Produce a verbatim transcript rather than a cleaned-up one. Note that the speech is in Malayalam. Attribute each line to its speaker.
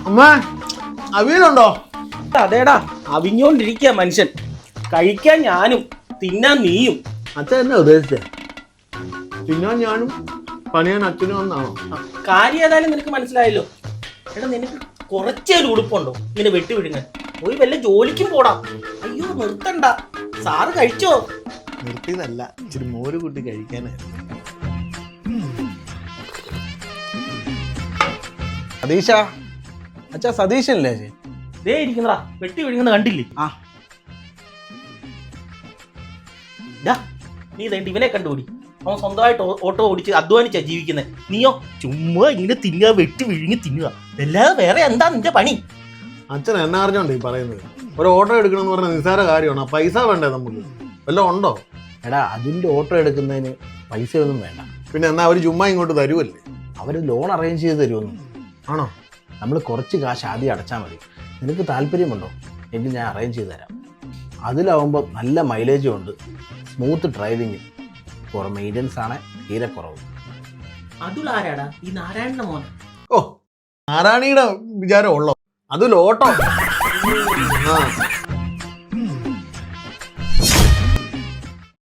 Speaker 1: അമ്മ അവിയലുണ്ടോ?
Speaker 2: അതേടാ അവിഞ്ഞോണ്ടിരിക്കുക മനുഷ്യൻ. കഴിക്കാൻ ഞാനും തിന്നാൻ നീയും.
Speaker 1: അച്ഛൻ എന്നെ ഉദ്ദേശിച്ചേ തിന്നാൻ ഞാനും പണിയാൻ അച്ഛനും ഒന്നാണോ?
Speaker 2: കാര്യം ഏതായാലും നിനക്ക് മനസ്സിലായല്ലോ. എടാ നിനക്ക് കുറച്ചൊരു ഉടുപ്പുണ്ടോ ഇങ്ങനെ വെട്ടി വിടുങ്ങാൻ? പോയി വല്ല ജോലിക്കും പോടാ. അയ്യോ നിർത്തണ്ട, സാറ് കഴിച്ചോ?
Speaker 1: നിർത്തിയതല്ല, ഇച്ചിരി മോര് കൂട്ടി കഴിക്കാനായിരുന്നു.
Speaker 3: സതീശ അച്ഛാ, സതീശല്ലേ?
Speaker 2: ദേ ഇരിക്കുന്നടാ, വെട്ടി വിഴുങ്ങുന്ന കണ്ടില്ലേ?
Speaker 3: ആ
Speaker 2: ഡാ നീ ഇതേണ്ട ഇവനെ കണ്ടുപിടി. അവൻ സ്വന്തമായിട്ട് ഓട്ടോ ഓടിച്ച് അധ്വാനിച്ചാ ജീവിക്കുന്നത്. നീയോ ചുമ്മാ ഇങ്ങനെ തിന്നുക, വെട്ടി വിഴുങ്ങി തിന്നുക, അല്ലാതെ വേറെ എന്താ നിന്റെ പണി?
Speaker 1: അച്ഛൻ എന്നെ അറിഞ്ഞോണ്ട് ഈ പറയുന്നത്. ഒരു ഓട്ടോ എടുക്കണമെന്ന് പറഞ്ഞ നിസ്സാര കാര്യമാണ്. പൈസ വേണ്ടേ നമുക്ക്? വല്ലതും ഉണ്ടോ?
Speaker 3: എടാ, അതിൻ്റെ ഓട്ടോ എടുക്കുന്നതിന് പൈസയൊന്നും വേണ്ട.
Speaker 1: പിന്നെ എന്നാ അവർ ചുമ്മാ ഇങ്ങോട്ട് തരുമല്ലേ?
Speaker 3: അവർ ലോൺ അറേഞ്ച് ചെയ്ത് തരുമെന്ന്.
Speaker 1: ആണോ?
Speaker 3: നമ്മൾ കുറച്ച് കാശ് ആദ്യം അടച്ചാൽ മതി. നിനക്ക് താല്പര്യമുണ്ടോ എങ്കിൽ ഞാൻ അറേഞ്ച് ചെയ്ത് തരാം. അതിലാവുമ്പോൾ നല്ല മൈലേജും ഉണ്ട്, സ്മൂത്ത് ഡ്രൈവിങ്, കുറേ മെയിൻ്റനൻസ് ആണ്, തീരെ കുറവ്.
Speaker 2: അതുലാരാടാ ഈ നാരായണന്റെ മോൻ?
Speaker 1: ഓ, നാരായണിയുടെ വിചാരം ഉള്ളോ? അതിൽ ഓട്ടോ. ആ